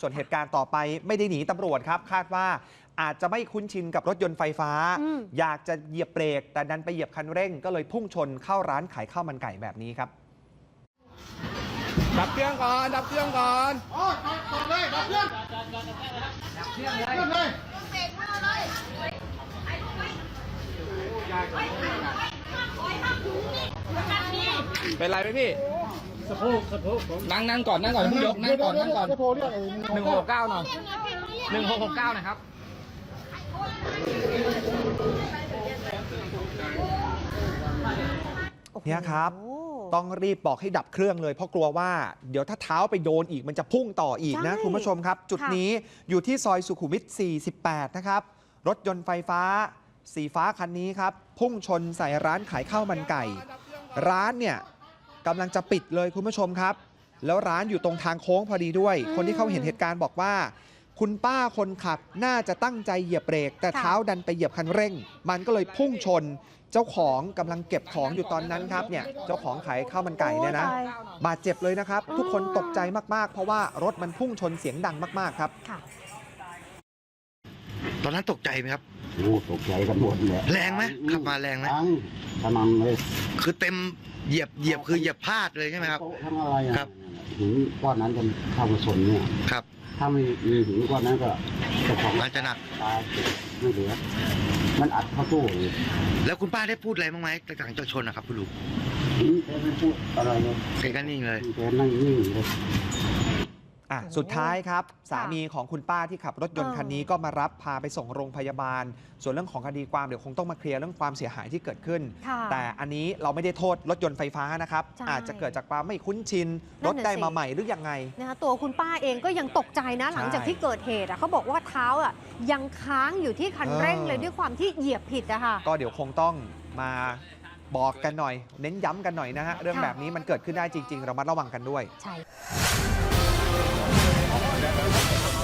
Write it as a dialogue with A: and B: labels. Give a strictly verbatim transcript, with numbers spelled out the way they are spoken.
A: ส่วนเหตุการณ์ต่อไปไม่ได้หนีตำรวจครับคาดว่าอาจจะไม่คุ้นชินกับรถยนต์ไฟฟ้าอยากจะเหยียบเบรกแต่ดันไปเหยียบคันเร่งก็เลยพุ่งชนเข้าร้านขายข้าวมันไก่แบบนี้ครับ
B: ดับเครื่องก่อนดับเครื่องก่อน
C: โอ้จอดเลยดับเครื่องดับเครื่องเลยเบรกมาเลย
B: เป็นไรไหมพี่สะโพกสะโพกนั่งนั่งก่อนนั่งก่อนเพิ่งยกนั่งก่อนนั่งก่อนหนึ่งหกเก้าหน่อยหนึ่งหกหกเก้านะครับ
A: เนี่ยครับต้องรีบบอกให้ดับเครื่องเลยเพราะกลัวว่าเดี๋ยวถ้าเท้าไปโดนอีกมันจะพุ่งต่ออีกนะคุณผู้ชมครับจุดนี้อยู่ที่ซอยสุขุมวิทสี่สิบแปดนะครับรถยนต์ไฟฟ้าสีฟ้าคันนี้ครับพุ่งชนใส่ร้านขายข้าวมันไก่ร้านเนี่ยกำลังจะปิดเลยคุณผู้ชมครับแล้วร้านอยู่ตรงทางโค้งพอดีด้วยคนที่เขาเห็นเหตุการณ์บอกว่าคุณป้าคนขับน่าจะตั้งใจเหยียบเบรกแต่เท้าดันไปเหยียบคันเร่งมันก็เลยพุ่งชนเจ้าของกำลังเก็บของอยู่ตอนนั้นครับเนี่ยเจ้าของขายข้าวมันไก่เนี่ยนะบาดเจ็บเลยนะครับทุกคนตกใจมากๆเพราะว่ารถมันพุ่งชนเสียงดังมากๆครับ
D: ตอนนั้นตกใจไหมครับ
E: โอ้ตกใจกันหมดเลย
D: แรงไหมขับมาแรงไหม
E: กำลังเลย
D: คือเต็มเหยียบเหยียบคือเหยียบพลาดเลยใช่ไหมครับ
E: ทั้งอะไร
D: ครับ
E: หินก้อนนั้นจะเข้ามาชนเนี่ย
D: ครับ
E: ถ้าไม่มีหินก้อนนั้นก็เจ้าของ
D: มันจะหนัก
E: ตายไม่เหลือมันอัดเข้าตู้
D: แล้วคุณป้าได้พูดอะไรบ้างไหมหลังจากชนนะครับคุณลุง
E: แกไม่พูดอะไรเลย
D: แกก็นิ่งเลย
E: แกนั่งนิ่งเลย
A: อ่ะสุดท้ายครับสามีของคุณป้าที่ขับรถยนต์คันนี้ก็มารับพาไปส่งโรงพยาบาลส่วนเรื่องของคดีความเดี๋ยวคงต้องมาเคลียร์เรื่องความเสียหายที่เกิดขึ้นแต่อันนี้เราไม่ได้โทษรถยนต์ไฟฟ้านะครับอาจจะเกิดจากความไม่คุ้นชินรถได้มาใหม่หรือยังไง
F: นะคะตัวคุณป้าเองก็ยังตกใจนะหลังจากที่เกิดเหตุเขาบอกว่าเท้าอ่ะยังค้างอยู่ที่คันเร่งเลยด้วยความที่เหยียบผิดอะค่ะ
A: ก็เดี๋ยวคงต้องมาบอกกันหน่อยเน้นย้ำกันหน่อยนะฮะเรื่องแบบนี้มันเกิดขึ้นได้จริงๆเรามาระวังกันด้วย
F: ใช่